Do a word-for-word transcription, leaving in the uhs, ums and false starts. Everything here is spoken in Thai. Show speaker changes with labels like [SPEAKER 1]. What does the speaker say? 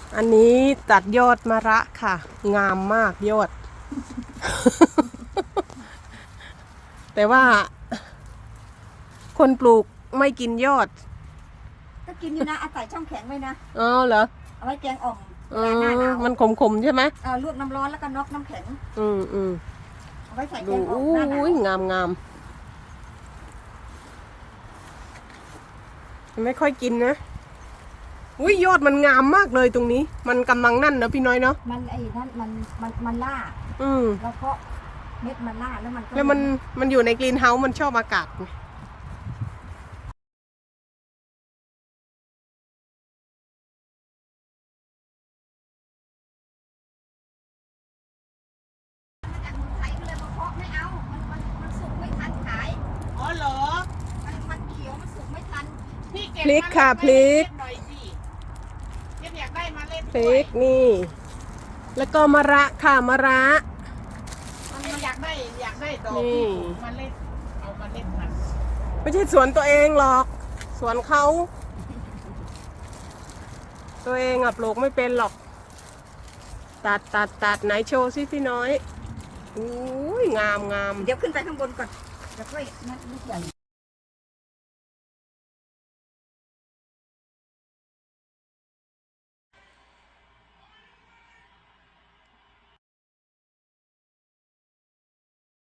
[SPEAKER 1] อันนี้ตัดยอดมะระค่ะ งามมากยอด แต่ว่า คนปลูกไม่กินยอด
[SPEAKER 2] ก็กินอยู่นะอาศัยช่องแข็งไว้นะ
[SPEAKER 1] อ๋อเหรอ
[SPEAKER 2] เอาไว้แกงอ่อม
[SPEAKER 1] เอ
[SPEAKER 2] เวลาหน้าห
[SPEAKER 1] อ
[SPEAKER 2] นาว
[SPEAKER 1] มันขมๆใช่ไหม
[SPEAKER 2] เอ่อลวกน้ำร้อนแล้วก็น็อกน้ำแข็ง
[SPEAKER 1] อืมอืม
[SPEAKER 2] เอาไว้ใส่แก
[SPEAKER 1] ดู
[SPEAKER 2] งอ่อม
[SPEAKER 1] อู้
[SPEAKER 2] หน้าหนาว
[SPEAKER 1] ยงามงามไม่ค่อยกินนะอุ้ยยอดมันงามมากเลยตรงนี้ มันกำลังนั่นนะพี่น้อยเนาะ
[SPEAKER 2] มันไอ้นั่นมันมันมันล่า
[SPEAKER 1] อืม
[SPEAKER 2] แล้วก็เม็ดมันล่าแล้วมันก็
[SPEAKER 1] แล้วมันมันอยู่ในกรีนเฮาส์มันชอบอากาศไง
[SPEAKER 2] มาจากเมืองไทยก็เลยมาเพาะไม่เอา มันมันมันสุกไม่ทันขาย
[SPEAKER 3] อ๋อเหรอ
[SPEAKER 2] มันมันเขียวมันสุกไม่ทัน
[SPEAKER 3] พี่เก็บ
[SPEAKER 1] พลิกค่ะพลิก
[SPEAKER 3] หน่อยสิเก็บอยากได้มาเล่น
[SPEAKER 1] พริกนี่ แล้วก็มะระค่ะมะระ
[SPEAKER 3] มันอยากได้อยากได้ดอก
[SPEAKER 1] นี่
[SPEAKER 3] ที่ปลูกมาเล่นเอามาเล่นมัน
[SPEAKER 1] ไม่ใช่สวนตัวเองหรอก สวนเขา ตัวเองอะปลูกไม่เป็นหรอก ตัดตัดตัดไหนโชว์สิพี่น้อยอุ้ยงามงาม
[SPEAKER 2] เดี๋ยวขึ้นไปข้างบนก่อนเดี๋ยวค่อยนั่นลูกใหญ่